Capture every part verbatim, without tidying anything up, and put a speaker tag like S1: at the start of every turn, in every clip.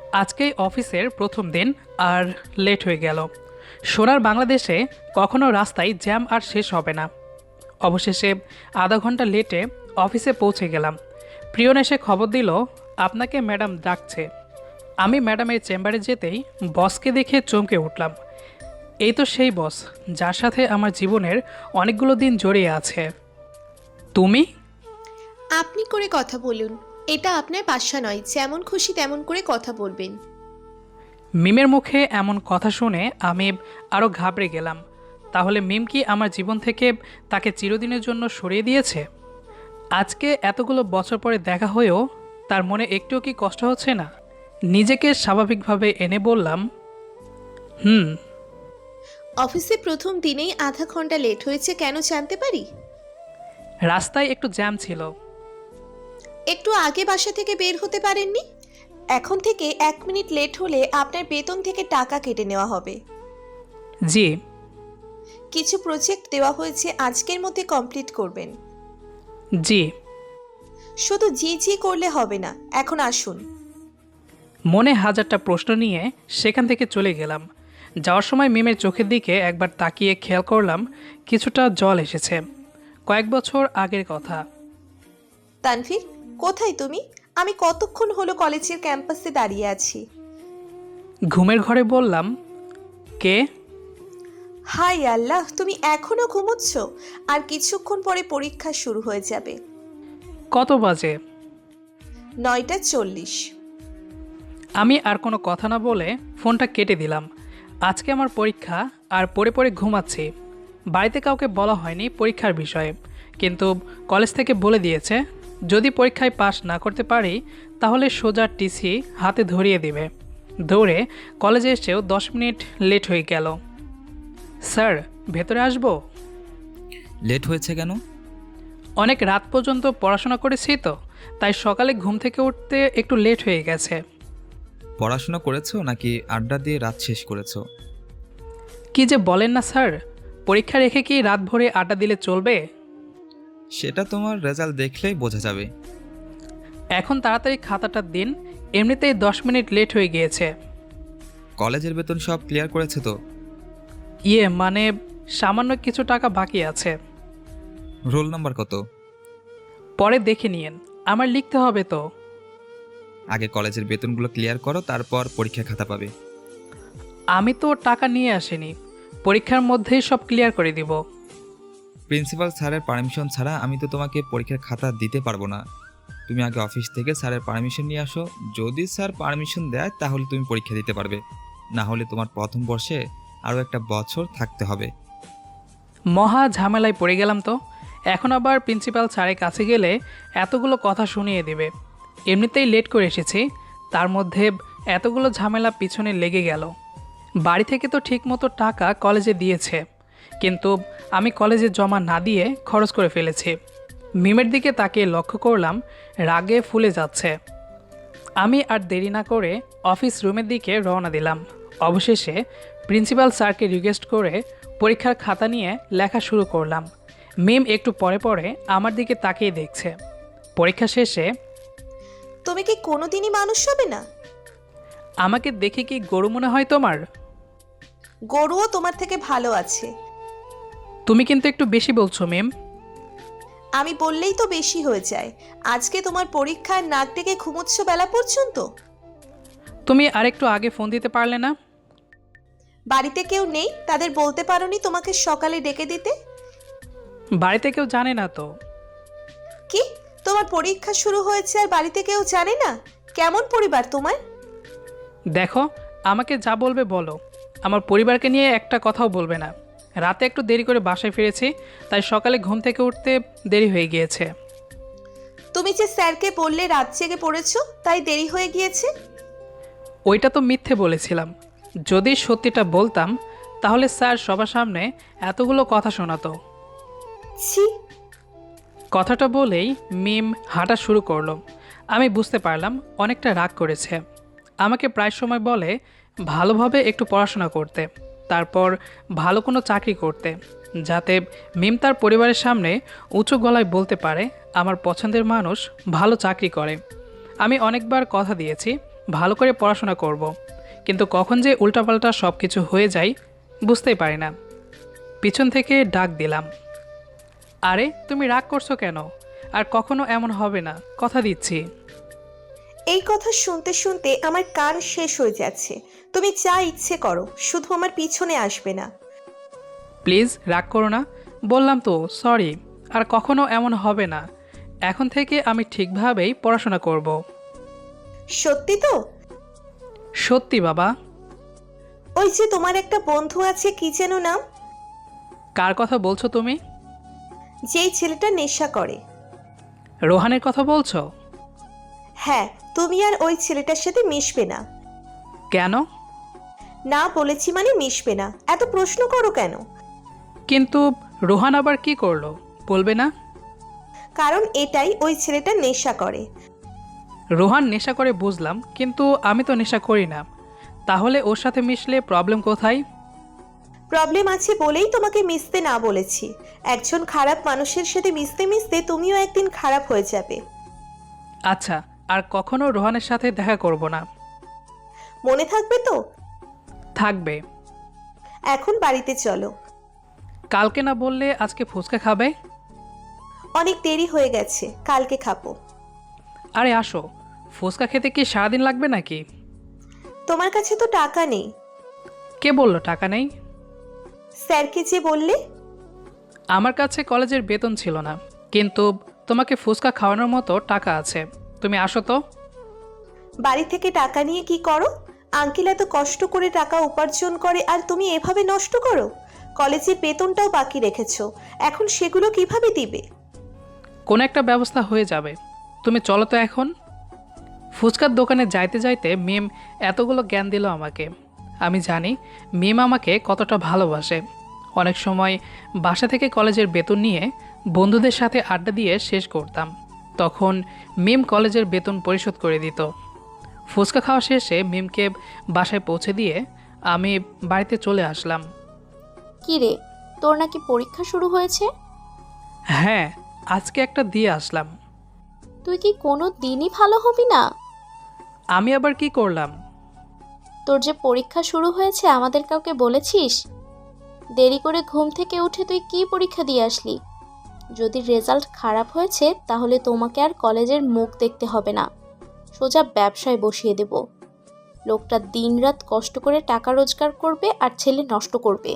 S1: আজকেই অফিসের প্রথম দিন আর লেট হয়ে গেল। সোনার বাংলাদেশে কখনো রাস্তায় জ্যাম আর শেষ হবে না। অবশেষে আধা ঘন্টা লেটে অফিসে পৌঁছে গেলাম। প্রিয়ন এসে খবর দিল, আপনাকে ম্যাডাম ডাকছে। আমি ম্যাডামের চেম্বারে যেতেই বসকে দেখে চমকে উঠলাম। এই তো সেই বস যার সাথে আমার জীবনের অনেকগুলো দিন জড়িয়ে আছে। তুমি?
S2: আপনি করে কথা বলুন। এটা আপনার বাসা নয়, যেমন খুশি তেমন করে কথা বলবেন।
S1: মিমের মুখে এমন কথা শুনে আমি আরও ঘাবড়ে গেলাম। তাহলে মিম কি আমার জীবন থেকে তাকে চিরদিনের জন্য সরিয়ে দিয়েছে? আজকে এতগুলো বছর পরে দেখা হয়েও তার মনে একটুও কি কষ্ট হচ্ছে না? নিজেকে স্বাভাবিকভাবে এনে বললাম, হুম।
S2: অফিসে প্রথম দিনেই আধা ঘন্টা লেট হয়েছে, কেন জানতে পারি?
S1: রাস্তায় একটু জ্যাম ছিল।
S2: একটু আগে বাসা থেকে বের হতে পারেননি? এখন থেকে এক মিনিট লেট হলে আপনার বেতন থেকে টাকা কেটে নেওয়া হবে।
S1: জি।
S2: কিছু প্রজেক্ট দেওয়া হয়েছে, আজকের মধ্যে কমপ্লিট করবেন।
S1: জি।
S2: শুধু জি জি করলে হবে না, এখন আসুন।
S1: মনে হাজারটা প্রশ্ন নিয়ে সেখান থেকে চলে গেলাম। যাওয়ার সময় মিমের চোখের দিকে একবার তাকিয়ে খেয়াল করলাম কিছুটা জল এসেছে। কয়েক বছর আগের কথা।
S2: তানভীর, কোথায় তুমি? আমি কতক্ষণ হলো কলেজের ক্যাম্পাসে দাঁড়িয়ে আছি।
S1: ঘুমের ঘরে বললাম, কে?
S2: হাই আল্লাহ, তুমি এখনো ঘুমোচ্ছ? আর কিছুক্ষণ পরে পরীক্ষা শুরু হয়ে যাবে।
S1: কত বাজে?
S2: নয়টা চল্লিশ।
S1: আমি আর কোনো কথা না বলে ফোনটা কেটে দিলাম। আজকে আমার পরীক্ষা আর পড়ে পড়ে ঘুমাচ্ছি। বাড়িতে কাউকে বলা হয়নি পরীক্ষার বিষয়ে, কিন্তু কলেজ থেকে বলে দিয়েছে যদি পরীক্ষায় পাশ না করতে পারি তাহলে সোজা টিসি হাতে ধরিয়ে দিবে। দৌড়ে কলেজে এসেও দশ মিনিট লেট হয়ে গেল। স্যার, ভেতরে আসবো?
S3: লেট হয়েছে কেন?
S1: অনেক রাত পর্যন্ত পড়াশোনা করেছি তো, তাই সকালে ঘুম থেকে উঠতে একটু লেট হয়ে গেছে।
S3: পড়াশোনা করেছো নাকি আড্ডা দিয়ে রাত শেষ করেছো?
S1: কি যে বলেন না স্যার, পরীক্ষা রেখে কি রাত ভরে আড্ডা দিলে চলবে?
S3: সেটা তোমার রেজাল্ট দেখলেই বোঝা যাবে।
S1: এখন তাড়াতাড়ি খাতাটা দিন, এমনিতেই দশ মিনিট লেট হয়ে গিয়েছে।
S3: কলেজের বেতন সব ক্লিয়ার করেছে তো?
S1: ইয়ে মানে সামান্য কিছু টাকা বাকি আছে।
S3: রোল নাম্বার কত?
S1: পরে দেখে নিয়েন, আমার লিখতে হবে তো।
S3: আগে কলেজের বেতনগুলো ক্লিয়ার করো, তারপর পরীক্ষা খাতা পাবে।
S1: আমি তো টাকা নিয়ে আসিনি, পরীক্ষার মধ্যেই সব ক্লিয়ার করে দিব।
S3: প্রিন্সিপাল স্যারের পারমিশন ছাড়া আমি তো তোমাকে পরীক্ষার খাতা দিতে পারবো না। তুমি আগে অফিস থেকে স্যারের পারমিশন নিয়ে আসো। যদি স্যার পারমিশন দেয় তাহলে তুমি পরীক্ষা দিতে পারবে, না হলে তোমার প্রথম বর্ষে আরও একটা বছর থাকতে হবে।
S1: মহা ঝামেলায় পড়ে গেলাম তো। এখন আবার প্রিন্সিপাল স্যারের কাছে গেলে এতগুলো কথা শুনিয়ে দেবে। এমনিতেই লেট করে এসেছি, তার মধ্যে এতগুলো ঝামেলা পিছনে লেগে গেল। বাড়ি থেকে তো ঠিকমতো টাকা কলেজে দিয়েছে, কিন্তু আমি কলেজে জমা না দিয়ে খরচ করে ফেলেছি। মিমের দিকে তাকিয়ে লক্ষ্য করলাম রাগে ফুলে যাচ্ছে। আমি আর দেরি না করে অফিস রুমের দিকে রওনা দিলাম। অবশেষে প্রিন্সিপাল স্যারকে রিকোয়েস্ট করে পরীক্ষার খাতা নিয়ে লেখা শুরু করলাম। মিম একটু পরে পরে আমার দিকে তাকিয়ে দেখছে। পরীক্ষা শেষে,
S2: তুমি কি কোনোদিনই মানুষ হবে না?
S1: আমাকে দেখে কি গরু মনে হয় তোমার?
S2: গরুও তোমার থেকে ভালো আছে।
S1: তুমি কিন্তু একটু বেশি বলছো মিম।
S2: আমি বললেই তো বেশি হয়ে যায়। আজকে তোমার পরীক্ষার নাক ডেকে ঘুমোচ্ছ বেলা পর্যন্ত।
S1: তুমি আরেকটু আগে ফোন দিতে পারলে না?
S2: বাড়িতে কেউ নেই, তাদের বলতে পারোনি তোমাকে সকালে ডেকে দিতে?
S1: বাড়িতে কেউ জানে না তো।
S2: কি, তোমার পরীক্ষা শুরু হয়েছে আর বাড়িতে কেউ জানে না? কেমন পরিবার তোমার?
S1: দেখো, আমাকে যা বলবে বলো, আমার পরিবারকে নিয়ে একটা কথাও বলবে না। রাতে একটু দেরি করে বাসায় ফিরেছি, তাই সকালে ঘুম থেকে উঠতে দেরি হয়ে গিয়েছে।
S2: তুমি যে স্যারকে বললে রাত জেগে পড়েছো, তাই দেরি হয়ে গিয়েছে।
S1: ওইটা তো মিথ্যে বলেছিলাম। যদি সত্যিটা বলতাম তাহলে স্যার সবার সামনে এতগুলো কথা শোনাতো।
S2: ছি।
S1: কথাটা বলেই মিম হাঁটা শুরু করলো। আমি বুঝতে পারলাম অনেকটা রাগ করেছে। আমাকে প্রায় সময় বলে ভালোভাবে একটু পড়াশোনা করতে, তারপর ভালো কোনো চাকরি করতে, যাতে মিম তার পরিবারের সামনে উঁচু গলায় বলতে পারে আমার পছন্দের মানুষ ভালো চাকরি করে। আমি অনেকবার কথা দিয়েছি ভালো করে পড়াশোনা করব। কিন্তু কখন যে উল্টাপাল্টা সব কিছু হয়ে যায় বুঝতেই পারি না। পিছন থেকে ডাক দিলাম, আরে তুমি রাগ করছো কেন? আর কখনো এমন হবে না, কথা দিচ্ছি।
S2: এই কথা শুনতে শুনতে আমার কান শেষ হয়ে যাচ্ছে। তুমি যা ইচ্ছে করো, শুধু আমার পিছনে আসবে না।
S1: প্লিজ রাগ করো না, বললাম তো সরি। আর কখনো এমন হবে না। এখন থেকে আমি ঠিকভাবেই পড়াশোনা করব।
S2: সত্যি তো?
S1: সত্যি বাবা।
S2: ওই যে তোমার একটা বন্ধু আছে, কি যেন নাম?
S1: কার কথা বলছো তুমি?
S2: যেই ছেলেটা নেশা করে।
S1: রোহানের কথা বলছো?
S2: হ্যাঁ, তুমি আর ওই ছেলেটার সাথে মিশবে না।
S1: কেন?
S2: না বলেছি মানে মিশবে না। এত প্রশ্ন করো কেন?
S1: কিন্তু রোহান আবার কি করলো বলবে না?
S2: কারণ এটাই, ওই ছেলেটা নেশা করে।
S1: রোহান নেশা করে বুঝলাম, কিন্তু আমি তো নেশা করি না। তাহলে ওর সাথে মিশলে প্রবলেম কোথায়?
S2: প্রবলেম আছে বলেই তোমাকে মিশতে না বলেছি। একজন খারাপ মানুষের সাথে মিশতে মিশতে তুমিও একদিন খারাপ হয়ে যাবে।
S1: আচ্ছা, আর কখনো রোহানের সাথে দেখা করব না।
S2: মনে থাকবে তো?
S1: থাকবে।
S2: এখন বাড়িতে চলো।
S1: কালকে না বললে আজকে ফুচকা খাবে?
S2: অনেক দেরি হয়ে গেছে, কালকে খাবো।
S1: আরে আসো, ফুচকা খেতে কি সারাদিন লাগবে নাকি?
S2: তোমার কাছে তো টাকা নেই।
S1: কে বললো টাকা নেই?
S2: স্যারকে যে বললে।
S1: আমার কাছে কলেজের বেতন ছিল না, কিন্তু তোমাকে ফুচকা খাওয়ানোর মতো টাকা আছে। তুমি আসো তো।
S2: বাড়ি থেকে টাকা নিয়ে কি করো? আঙ্কেল এত কষ্ট করে টাকা উপার্জন করে আর তুমি এভাবে নষ্ট করো। কলেজের বেতনটাও বাকি রেখেছো, এখন সেগুলো কিভাবে দিবে?
S1: কোনো একটা ব্যবস্থা হয়ে যাবে। তুমি চলো তো এখন। ফুচকার দোকানে যাইতে যাইতে মিম এতগুলো জ্ঞান দিল আমাকে। আমি জানি মিম আমাকে কতটা ভালোবাসে। অনেক সময় বাসা থেকে কলেজের বেতন নিয়ে বন্ধুদের সাথে আড্ডা দিয়ে শেষ করতাম। তখন মিম কলেজের বেতন পরিশোধ করে দিত। ফুচকা খাওয়া শেষে মিমকে বাসায় পৌঁছে দিয়ে আমি বাড়িতে চলে আসলাম।
S4: কি রে, তোর নাকি পরীক্ষা শুরু হয়েছে?
S1: হ্যাঁ, আজকে একটা দিয়ে আসলাম।
S4: তুই কি কোনো দিনই ভালো হবি না?
S1: আমি আবার কি করলাম?
S4: তোর যে পরীক্ষা শুরু হয়েছে আমাদের কাউকে বলেছিস? দেরি করে ঘুম থেকে উঠে তুই কি পরীক্ষা দিয়ে আসলি? যদি রেজাল্ট খারাপ হয়েছে তাহলে তোমাকে আর কলেজের মুখ দেখতে হবে না, সোজা ব্যবসায় বসিয়ে দেব। লোকটা দিনরাত কষ্ট করে টাকা রোজগার করবে আর ছেলে নষ্ট করবে।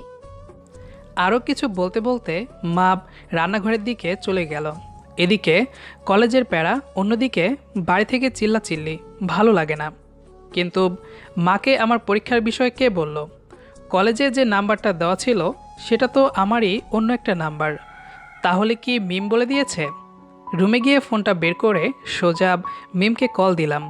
S1: আরও কিছু বলতে বলতে মা রান্নাঘরের দিকে চলে গেল। এদিকে কলেজের প্যারা, অন্যদিকে বাড়ি থেকে চিল্লাচিল্লি, ভালো লাগে না। কিন্তু মাকে আমার পরীক্ষার বিষয়ে কে বলল? কলেজে যে নাম্বারটা দেওয়া ছিল সেটা তো আমারই অন্য একটা নাম্বার। তাহলে কি মিম বলে দিয়েছে? রুমে গিয়ে ফোনটা বের করে সোজা মিমকে কল দিলাম।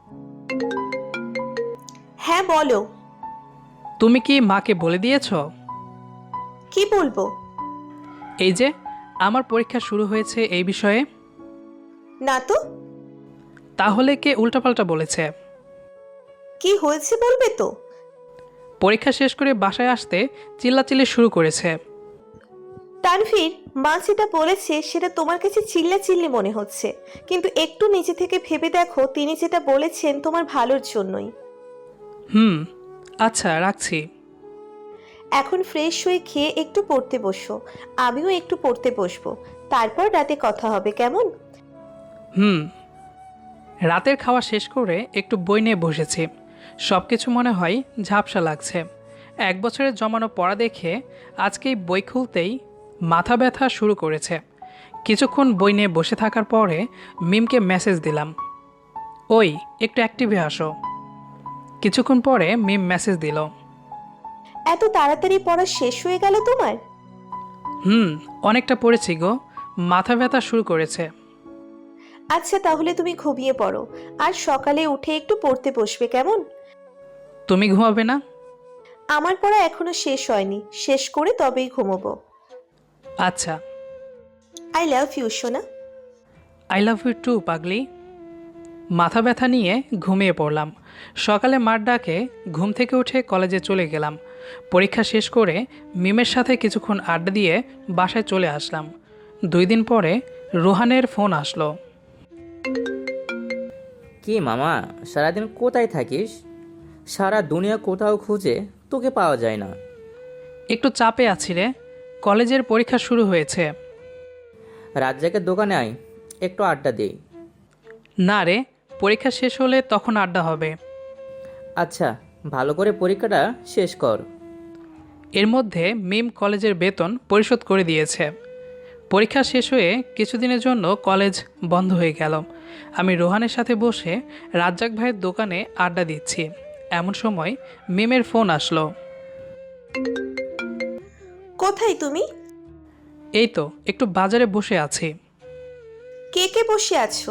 S2: হ্যাঁ বলো।
S1: তুমি কি মাকে বলে দিয়েছো?
S2: কি বলবো?
S1: এই যে আমার পরীক্ষা শুরু হয়েছে এই বিষয়ে।
S2: না তো।
S1: তাহলে কে উল্টাপাল্টা বলেছে?
S2: কি হয়েছে বলবে তো?
S1: পরীক্ষা শেষ করে বাসায় আসতে চিল্লাচিল্লি শুরু করেছে।
S2: তানভীর, মা যেটা বলেছে সেটা তোমার কাছে চিল্লাচিল্লি মনে হচ্ছে, কিন্তু একটু নিজে থেকে ভেবে দেখো তিনি যেটা বলেছেন তোমার ভালোর জন্যই।
S1: হুম, আচ্ছা রাখছি।
S2: এখন ফ্রেশ হয়ে খেয়ে একটু পড়তে বসো। আমিও একটু পড়তে বসবো, তারপর রাতে কথা হবে, কেমন?
S1: হুম। রাতের খাওয়া শেষ করে একটু বই নিয়ে বসেছি। সব কিছু মনে হয় ঝাপসা লাগছে। এক বছরের জমানো পড়া দেখে আজকেই বই খুলতেই মাথা ব্যথা শুরু করেছে। কিছুক্ষণ বই নিয়ে বসে থাকার পরে মিমকে মেসেজ দিলাম, ওই একটু অ্যাক্টিভে আসো। কিছুক্ষণ পরে মিম মেসেজ দিল,
S2: এত তাড়াতাড়ি পড়া শেষ হয়ে গেল তোমার?
S1: হুম, অনেকটা পড়েছি গো, মাথা ব্যথা শুরু করেছে।
S2: আচ্ছা তাহলে তুমি ঘুমিয়ে পড়ো, আর সকালে উঠে একটু পড়তে বসবে, কেমন?
S1: তুমি ঘুমাবে না?
S2: আমার পড়া এখনো শেষ হয়নি, শেষ করে তবেই ঘুমোবো।
S1: আচ্ছা।
S2: আই লাভ ইউ সোনা।
S1: আই লাভ ইউ টু পাগলি। মাথা ব্যথা নিয়ে ঘুমিয়ে পড়লাম। সকালে মার ডাকে ঘুম থেকে উঠে কলেজে চলে গেলাম। পরীক্ষা শেষ করে মিমের সাথে কিছুক্ষণ আড্ডা দিয়ে বাসায় চলে আসলাম। দুই দিন পরে রোহানের ফোন আসলো।
S5: কি মামা, সারাদিন কোথায় থাকিস? সারা দুনিয়া কোথাও খুঁজে তোকে পাওয়া যায় না।
S1: একটু চাপে আছি রে, কলেজের পরীক্ষা শুরু হয়েছে।
S5: রাজ্জাকের দোকানে আয়, একটু আড্ডা দিই।
S1: না রে, পরীক্ষা শেষ হলে তখন আড্ডা হবে।
S5: আচ্ছা, ভালো করে পরীক্ষাটা শেষ কর।
S1: এর মধ্যে মিম কলেজের বেতন পরিশোধ করে দিয়েছে। পরীক্ষা শেষ হয়ে কিছুদিনের জন্য কলেজ বন্ধ হয়ে গেল। আমি রোহানের সাথে বসে রাজ্জাক ভাইয়ের দোকানে আড্ডা দিচ্ছি, এমন সময় মিমের ফোন আসলো।
S2: কোথায় তুমি?
S1: এই তো একটু বাজারে বসে আছি।
S2: কে কে বসে আছো?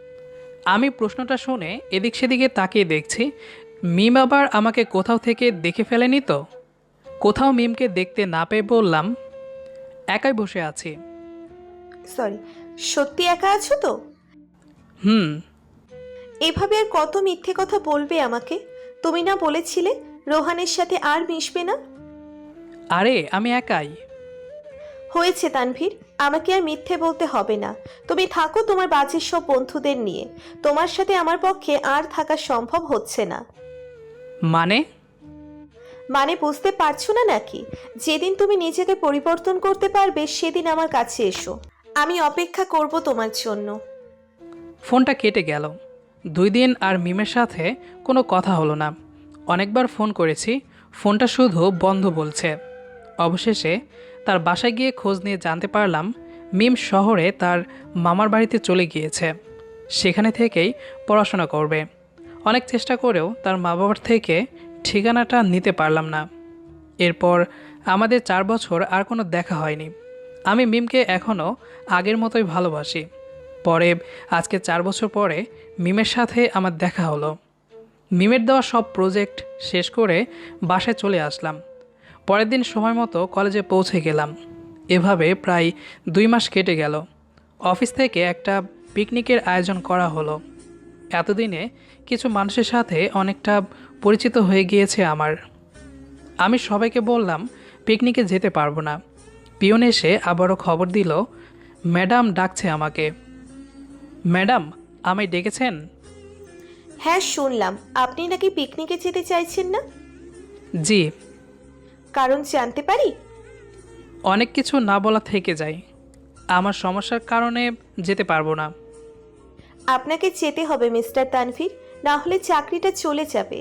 S1: আমি প্রশ্নটা শুনে এদিক সেদিকে তাকিয়ে দেখছি, মিম আবার আমাকে কোথাও থেকে দেখে ফেলেনি তো। কোথাও মিমকে দেখতে না পেয়ে বললাম, একাই বসে আছি।
S2: সরি, সত্যি একা আছো তো?
S1: হুম।
S2: এভাবে আর কত মিথ্যে কথা বলবে আমাকে? তুমি না বলেছিলে রোহানের সাথে আর মিশবে না?
S1: আরে আমি একাই।
S2: হয়েছে তানভীর, আমাকে আর মিথ্যে বলতে হবে না। তুমি থাকো তোমার বাজের সব বন্ধুদের নিয়ে। তোমার সাথে আমার পক্ষে আর থাকা সম্ভব হচ্ছে না।
S1: মানে?
S2: মানে বুঝতে পারছো না নাকি? যেদিন তুমি নিজেকে পরিবর্তন করতে পারবে সেদিন আমার কাছে এসো, আমি অপেক্ষা করব তোমার জন্য।
S1: ফোনটা কেটে গেল। দুই দিন আর মিমের সাথে কোনো কথা হলো না। অনেকবার ফোন করেছি, ফোনটা শুধু বন্ধ বলছে। অবশেষে তার বাসায় গিয়ে খোঁজ নিয়ে জানতে পারলাম মিম শহরে তার মামার বাড়িতে চলে গিয়েছে, সেখানে থেকেই পড়াশোনা করবে। অনেক চেষ্টা করেও তার মা বাবার থেকে ঠিকানাটা নিতে পারলাম না। এরপর আমাদের চার বছর আর কোনো দেখা হয়নি। আমি মিমকে এখনও আগের মতোই ভালোবাসি। পরে আজকে চার বছর পরে মিমের সাথে আমার দেখা হলো। মিমের দেওয়া সব প্রজেক্ট শেষ করে বাসায় চলে আসলাম। পরের দিন সময় মতো কলেজে পৌঁছে গেলাম। এভাবে প্রায় দুই মাস কেটে গেল। অফিস থেকে একটা পিকনিকের আয়োজন করা হলো। এতদিনে কিছু মানুষের সাথে অনেকটা পরিচিত হয়ে গিয়েছে আমার। আমি সবাইকে বললাম পিকনিকে যেতে পারবো না। পিয়ন এসে আবারও খবর দিল, ম্যাডাম ডাকছে আমাকে। ম্যাডাম, আমায় ডেকেছেন?
S2: হ্যাঁ শুনলাম, আপনি নাকি পিকনিকে যেতে চাইছেন না।
S1: জি।
S2: কারণ জানতে পারি?
S1: অনেক কিছু না বলা থেকে যায়। আমার সমস্যার কারণে যেতে পারবো না।
S2: আপনাকে যেতে হবে মিস্টার তানভীর, না হলে চাকরিটা চলে যাবে।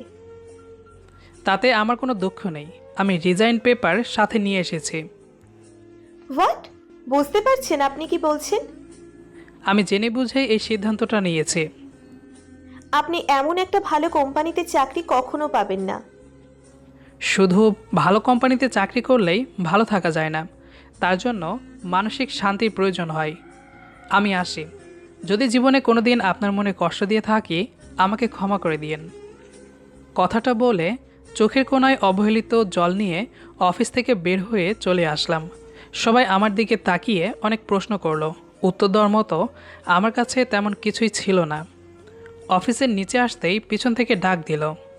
S1: তাতে আমার কোনো দুঃখ নেই। আমি রিজাইন পেপার সাথে নিয়ে এসেছি।
S2: হোয়াট? বুঝতে পারছেন আপনি কি বলছেন?
S1: আমি জেনে বুঝেই এই সিদ্ধান্তটা নিয়েছি।
S2: আপনি এমন একটা ভালো কোম্পানিতে চাকরি কখনো পাবেন না।
S1: শুধু ভালো কোম্পানিতে চাকরি করলেই ভালো থাকা যায় না, তার জন্য মানসিক শান্তির প্রয়োজন হয়। আমি আসি। যদি জীবনে কোনো দিন আপনার মনে কষ্ট দিয়ে থাকি, আমাকে ক্ষমা করে দিয়েন। কথাটা বলে চোখের কোণায় অবহেলিত জল নিয়ে অফিস থেকে বের হয়ে চলে আসলাম। সবাই আমার দিকে তাকিয়ে অনেক প্রশ্ন করলো। উত্তর দেওয়ার মতো আমার কাছে তেমন কিছুই ছিল না। অফিসের নিচে আসতেই পিছন থেকে ডাক দিল।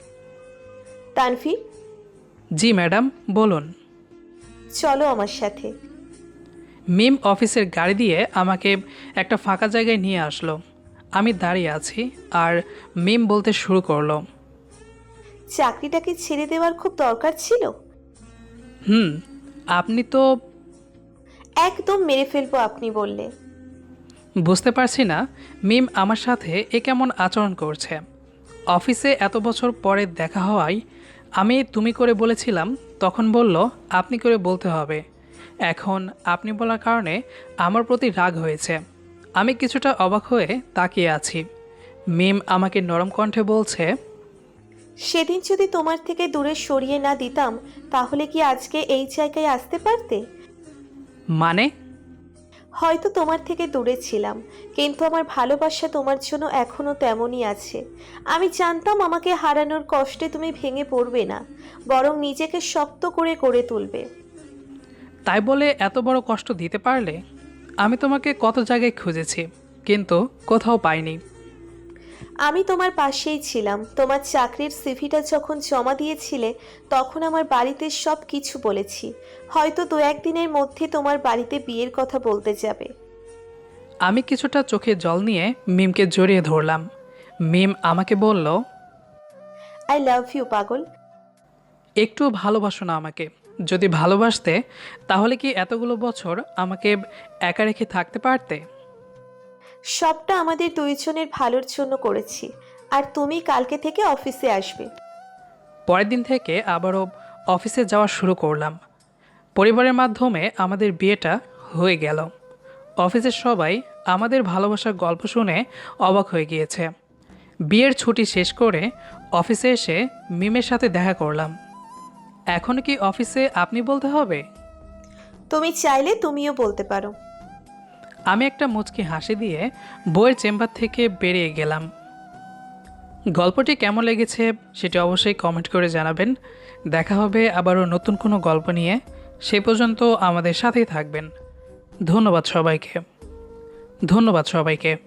S2: তানভীর,
S1: জি ম্যাডাম, বলুন।
S2: চলো আমার সাথে।
S1: মিম অফিসের গাড়ি দিয়ে আমাকে একটা ফাঁকা জায়গায় নিয়ে আসলো। আমি দাঁড়িয়ে আছি আর মিম বলতে শুরু করলো,
S2: চাকরিটাকে ছেড়ে দেওয়ার খুব দরকার ছিল।
S1: হুম, আপনি তো।
S2: একদম মেরে ফেলবো আপনি বললে।
S1: বুঝতে পারছি না মিম আমার সাথে এ কেমন আচরণ করছে। অফিসে এত বছর পরে দেখা হওয়ায় আমি তুমি করে বলেছিলাম, তখন বলল আপনি করে বলতে হবে। এখন আপনি বলার কারণে আমার প্রতি রাগ হয়েছে। আমি কিছুটা অবাক হয়ে তাকিয়ে আছি। মিম আমাকে নরম কণ্ঠে বলছে,
S2: সেদিন যদি তোমার থেকে দূরে সরিয়ে না দিতাম তাহলে কি আজকে এই জায়গায় আসতে পারতে?
S1: মানে?
S2: হয়তো তোমার থেকে দূরে ছিলাম, কিন্তু আমার ভালোবাসা তোমার জন্য এখনো তেমনই আছে। আমি জানতাম আমাকে হারানোর কষ্টে তুমি ভেঙে পড়বে না, বরং নিজেকে শক্ত করে গড়ে তুলবে।
S1: তাই বলে এত বড় কষ্ট দিতে পারলে? আমি তোমাকে কত জায়গায় খুঁজেছি, কিন্তু কোথাও পাইনি।
S2: আমি তোমার পাশেই ছিলাম। তোমার চাকরির সিভিটা যখন জমা দিয়েছিলে তখন আমার বাড়িতে সব কিছু বলেছি। হয়তো দু একদিনের মধ্যে তোমার বাড়িতে বিয়ের কথা বলতে যাবে।
S1: আমি কিছুটা চোখে জল নিয়ে মিমকে জড়িয়ে ধরলাম। মিম আমাকে বলল,
S2: আই লাভ ইউ পাগল।
S1: একটু ভালোবাসো না আমাকে? যদি ভালোবাসতে তাহলে কি এতগুলো বছর আমাকে একা রেখে থাকতে পারতে?
S2: সবটা আমাদের দুইজনের ভালোর জন্য করেছি। আর তুমি কালকে থেকে অফিসে আসবে।
S1: পরের দিন থেকে আবারও অফিসে যাওয়া শুরু করলাম। পরিবারের মাধ্যমে আমাদের বিয়েটা হয়ে গেল। অফিসের সবাই আমাদের ভালোবাসার গল্প শুনে অবাক হয়ে গিয়েছে। বিয়ের ছুটি শেষ করে অফিসে এসে মিমের সাথে দেখা করলাম। এখন কি অফিসে আপনি বলতে হবে?
S2: তুমি চাইলে তুমিও বলতে পারো।
S1: আমি একটা মুচকি হাসি দিয়ে বইয়ের চেম্বার থেকে বেরিয়ে গেলাম। গল্পটি কেমন লেগেছে সেটি অবশ্যই কমেন্ট করে জানাবেন। দেখা হবে আবারও নতুন কোনো গল্প নিয়ে। সে পর্যন্ত আমাদের সাথেই থাকবেন। ধন্যবাদ সবাইকে। ধন্যবাদ সবাইকে।